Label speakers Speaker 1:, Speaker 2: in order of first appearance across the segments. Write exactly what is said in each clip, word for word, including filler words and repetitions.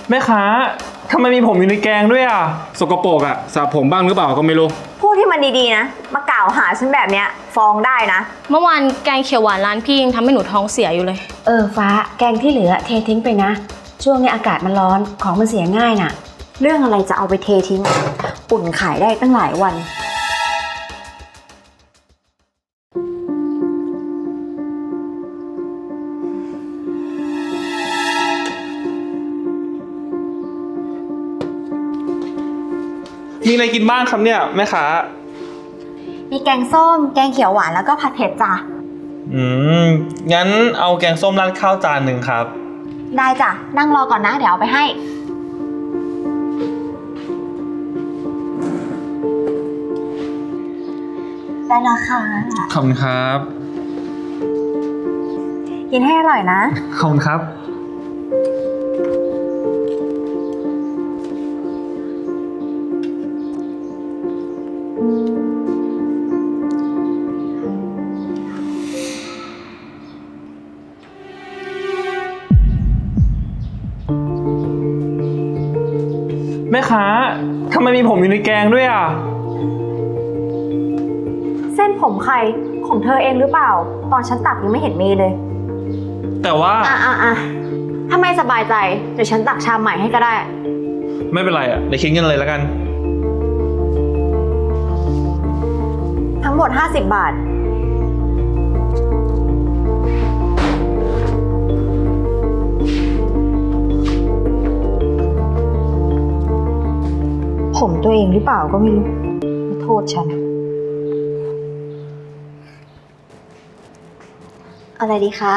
Speaker 1: แม่ค้าทำไมมีผมอยู่ในแกงด้วยอ่ะ
Speaker 2: สกปรกอะสระผมบ้างหรือเปล่าก็ไม่รู้
Speaker 3: พูดที่มันดีๆนะมากล่าวหาฉันแบบเนี้ยฟ้องได้นะ
Speaker 4: เมื่อวานแกงเขียวหวานร้านพี่ยังทำให้หนูท้องเสียอยู่เลย
Speaker 5: เออฟ้าแกงที่เหลือเททิ้งไปนะช่วงนี้อากาศมันร้อนของมันเสียง่ายน่ะ
Speaker 3: เรื่องอะไรจะเอาไปเททิ้งอุ่นขายได้ตั้งหลายวัน
Speaker 1: มีอะไรกินบ้างครับเนี่ยแม่ค้า
Speaker 3: มีแกงส้มแกงเขียวหวานแล้วก็ผัดเผ็ดจ้ะ
Speaker 1: อืมงั้นเอาแกงส้มราดข้าวจานหนึ่งครับ
Speaker 3: ได้จ้ะนั่งรอก่อนนะเดี๋ยวเอาไปให้ได้แล้วค่ะ
Speaker 1: ขอบคุณครับ
Speaker 3: กินให้อร่อยนะ
Speaker 1: ขอบคุณครับแม่ค้าทำไมมีผมอยู่ในแกงด้วยอ่ะ
Speaker 3: เส้นผมใครของเธอเองหรือเปล่าตอนฉันตักยังไม่เห็นมีเลย
Speaker 1: แต่ว่า
Speaker 3: อ่ะอ่ะอ่ะถ้าไม่สบายใจเดี๋ยวฉันตักชามใหม่ให้ก็ได้
Speaker 1: ไม่เป็นไรอ่ะเดี๋ยวคิดเงินเลยแล้วกัน
Speaker 3: ทั้งหมดห้าสิบบาทผมตัวเองหรือเปล่าก็ไม่รู้มาโทษฉันอะไรดีคะ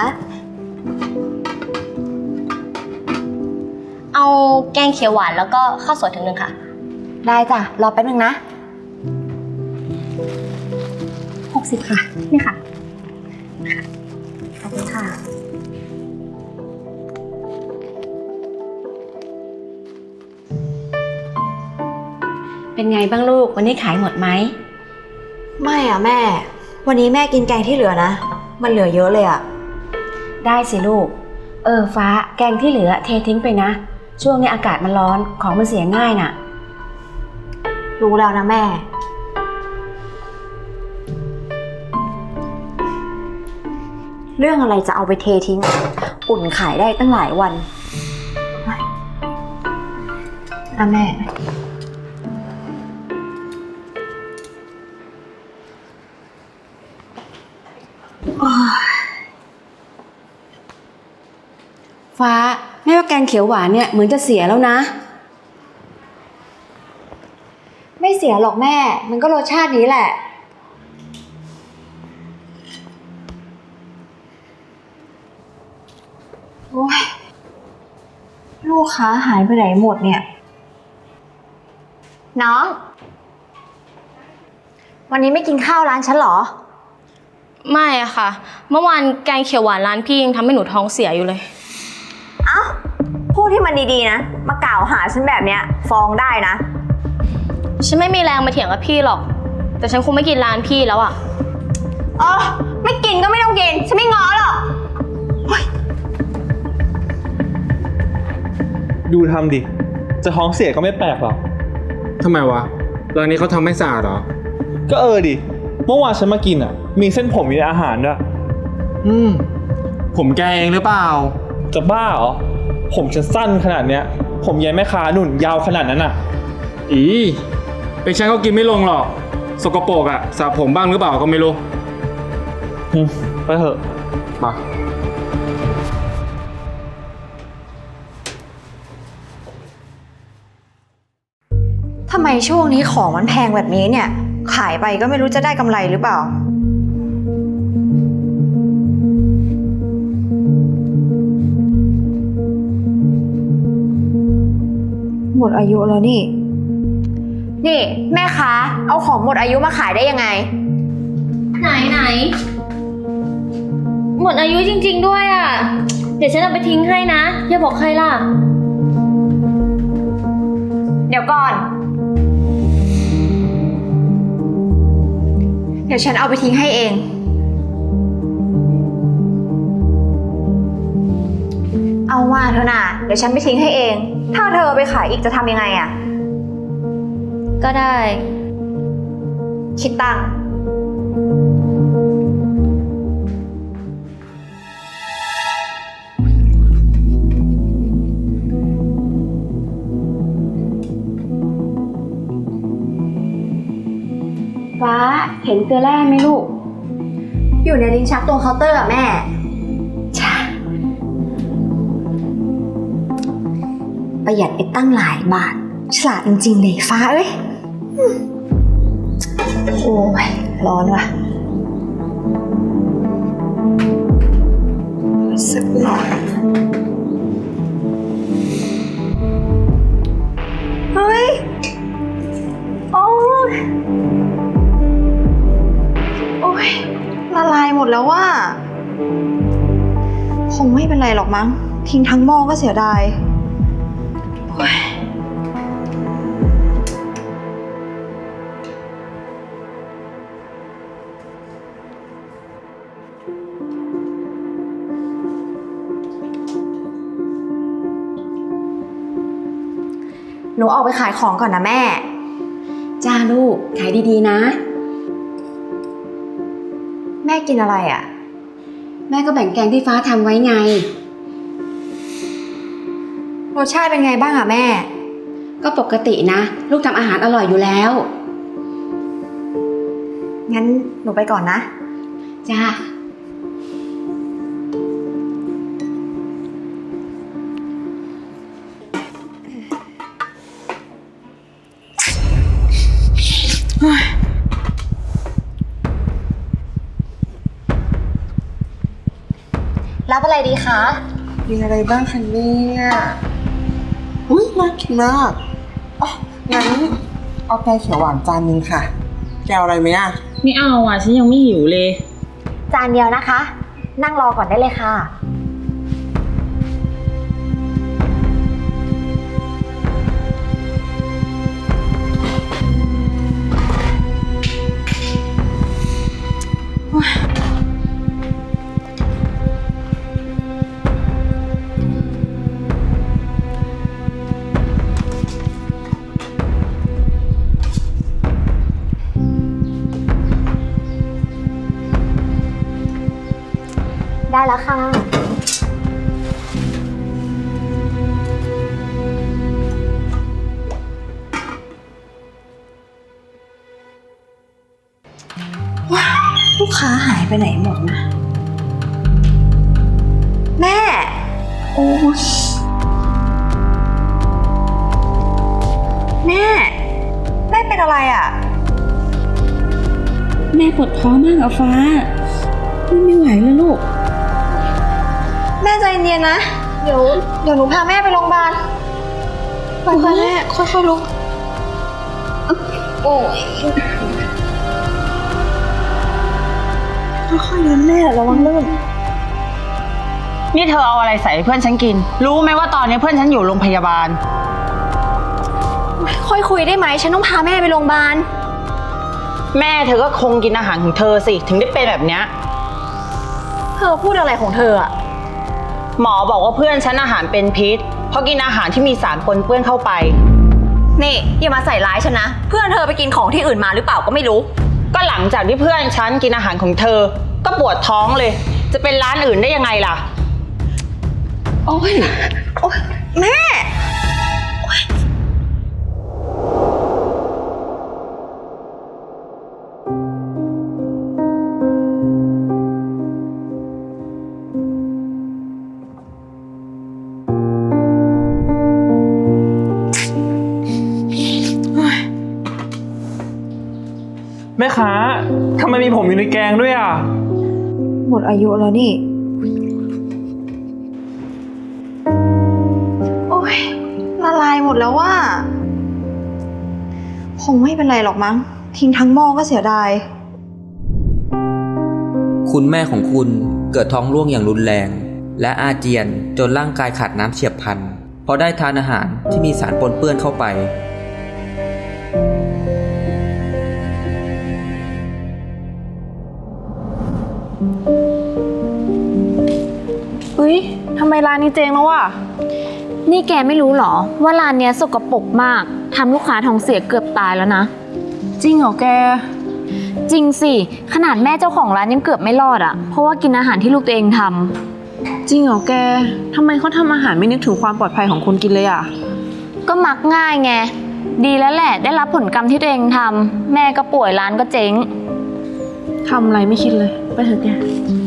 Speaker 4: เอาแกงเขียวหวานแล้วก็ข้าวสวยถึงหนึ่งค่ะ
Speaker 3: ได้จ้ะรอแป๊บนึงนะหกสิบค่ะนี่ค่ะขอบคุณค่ะ
Speaker 5: เป็นไงบ้างลูกวันนี้ขายหมดไหม
Speaker 3: ไม่อ่ะแม่วันนี้แม่กินแกงที่เหลือนะมันเหลือเยอะเลยอ่ะ
Speaker 5: ได้สิลูกเออฟ้าแกงที่เหลือเททิ้งไปนะช่วงนี้อากาศมันร้อนของมันเสียง่ายน่ะ
Speaker 3: รู้แล้วนะแม่เรื่องอะไรจะเอาไปเททิ้งอุ่นขายได้ตั้งหลายวันอ่ะแม่
Speaker 5: ฟ้าแม่ว่าแกงเขียวหวานเนี่ยเหมือนจะเสียแล้วนะ
Speaker 3: ไม่เสียหรอกแม่มันก็รสชาตินี้แหละโอ้ยลูกค้าหายไปไหนหมดเนี่ยน้องวันนี้ไม่กินข้าวร้านฉันเหรอ
Speaker 4: ไม่อะค่ะเมื่อวานแกงเขียวหวานร้านพี่ยังทำให้หนูท้องเสียอยู่เลย
Speaker 3: เอ้าพูดที่มันดีๆนะมากล่าวหาฉันแบบเนี้ยฟ้องได้นะ
Speaker 4: ฉันไม่มีแรงมาเถียงกับพี่หรอกแต่ฉันคงไม่กินร้านพี่แล้วอะ
Speaker 3: เออไม่กินก็ไม่ต้องกินฉันไม่ง้อหรอก
Speaker 1: ดูทำดิจะท้องเสียก็ไม่แปลกหรอก
Speaker 2: ทำไมวะร้านนี้เขาทำไม่สะอาดเหรอ
Speaker 1: ก็เออดิเมื่อวานฉันมากินอ่ะมีเส้นผมอยู่ในอาหารด้วย
Speaker 2: อืมผมแกเองหรือเปล่า
Speaker 1: จะบ้าเหรอผมฉันสั้นขนาดเนี้ยผมยายแม่ค้าหนุ่นยาวขนาดนั้นอ่ะ
Speaker 2: อีเป็นฉันก็กินไม่ลงหรอกสกปรกอะสระผมบ้างหรือเปล่าก็ไม่รู้
Speaker 1: ไปเถอะ
Speaker 2: มา
Speaker 3: ทำไมช่วงนี้ของมันแพงแบบนี้เนี่ยขายไปก็ไม่รู้จะได้กำไรหรือเปล่าหมดอายุแล้วนี่นี่แม่ค้าเอาของหมดอายุมาขายได้ยังไง
Speaker 4: ไหนไหนหมดอายุจริงๆด้วยอ่ะเดี๋ยวฉันเอาไปทิ้งให้นะอย่าบอกใครล่ะ
Speaker 3: เดี๋ยวก่อนเดี๋ยวฉันเอาไปทิ้งให้เองเอาว่าเถอะนะเดี๋ยวฉันไปทิ้งให้เองถ้าเธอไปขายอีกจะทำยังไงอะ
Speaker 4: ก็ได้
Speaker 3: คิดตังค์
Speaker 5: ฟ้าเห็นเกลือแร่ไหมลูก
Speaker 3: อยู่ในลิ้นชักตรงเคาน์เตอร์อะแม่
Speaker 5: ช่า
Speaker 3: ประหยัดไปตั้งหลายบาท ฉลาดจริงๆเลยฟ้าเอ้ยอืมโอ้ย ร้อนว่ะสักหน่อยเฮ้ย โอ้ย โอ้ย ละลายหมดแล้วว่า คงไม่เป็นไรหรอกมั้ง ทิ้งทั้งหม้อก็เสียดายโอ้ยหนูออกไปขายของก่อนนะแม่
Speaker 5: จ้าลูกขายดีๆนะ
Speaker 3: แม่กินอะไรอ่ะ
Speaker 5: แม่ก็แบ่งแกงที่ฟ้าทำไว้ไง
Speaker 3: รสชาติเป็นไงบ้างอ่ะแม่
Speaker 5: ก็ปกตินะ ลูกทำอาหารอร่อยอยู่แล้ว
Speaker 3: งั้นหนูไปก่อนนะ
Speaker 5: จ้า
Speaker 3: รับอะไรดีคะ
Speaker 6: มีอะไรบ้างคะเนี่ยอุ้ยน่ากินมากอ๋องั้นเอาแกงเขียวหวานจานนึงค่ะ แกเอาอะไรไหมอ่ะ
Speaker 7: ไม่เอาอ่ะฉันยังไม่หิวเลย
Speaker 3: จานเดียวนะคะ นั่งรอก่อนได้เลยค่ะ ได้แล้วค่ะ ว้าวลูกค้าหายไปไหนหมดนะ แม่ โอ้ยแม่ แม่เป็นอะไรอ่ะ
Speaker 7: แม่ปวดท้องมากอะฟ้าไม่ไหวแล้วลูก
Speaker 3: แม่ใจเย็นๆนะ เดี๋ยว เดี๋ยวหนูพาแม่ไปโรงพยาบาลไปค่ะแม่ ค่อยๆลุก โอ้ยค่อยๆเดินแม่ระวังลื่น
Speaker 8: นี่เธอเอาอะไรใส่ให้เพื่อนฉันกิน รู้ไหมว่าตอนนี้เพื่อนฉันอยู่โรงพยาบาล
Speaker 3: ค่อยคุยได้ไหม ฉันต้องพาแม่ไปโรงพยาบาล
Speaker 8: แม่เธอก็คงกินอาหารของเธอสิถึงได้เป็นแบบเนี้ย
Speaker 3: เธอพูดอะไรของเธออะ
Speaker 8: หมอบอกว่าเพื่อนฉันอาหารเป็นพิษ เพราะกินอาหารที่มีสารปนเปื้อนเข้าไป
Speaker 3: นี่อย่ามาใส่ร้ายฉันนะ เพื่อนเธอไปกินของที่อื่นมาหรือเปล่าก็ไม่รู้
Speaker 8: ก็หลังจากที่เพื่อนฉันกินอาหารของเธอ ก็ปวดท้องเลย จะเป็นร้านอื่นได้ยังไงล่ะ
Speaker 3: โอ้ย โอ้ยแม่
Speaker 1: แม่ค้าทำไมมีผมอยู่ในแกงด้วยอ่ะ
Speaker 3: หมดอายุแล้วนี่ โอ้ยละลายหมดแล้วว่า คงไม่เป็นไรหรอกมั้ง ทิ้งทั้งหม้อก็เสียดาย
Speaker 9: คุณแม่ของคุณเกิดท้องร่วงอย่างรุนแรง และอาเจียนจนร่างกายขาดน้ำเฉียบพลันเพราะได้ทานอาหารที่มีสารปนเปื้อนเข้าไป
Speaker 7: เฮ้ยทำไมร้านนี้เจ๊งแล้ววะ
Speaker 10: นี่แกไม่รู้หรอว่าร้านเนี้ยสกปรกมากทำลูกค้าท้องเสียเกือบตายแล้วนะ
Speaker 7: จริงเหรอแก
Speaker 10: จริงสิขนาดแม่เจ้าของร้านยังเกือบไม่รอดอะเพราะว่ากินอาหารที่ลูกตัวเองทำ
Speaker 7: จริงเหรอแกทำไมเขาทำอาหารไม่นึกถึงความปลอดภัยของคนกินเลยอ่ะ
Speaker 10: ก็มักง่ายไงดีแล้วแหละได้รับผลกรรมที่ตัวเองทำแม่ก็ป่วยร้านก็เจ๊ง
Speaker 7: ทำอะไรไม่คิดเลย ไปเถอะแก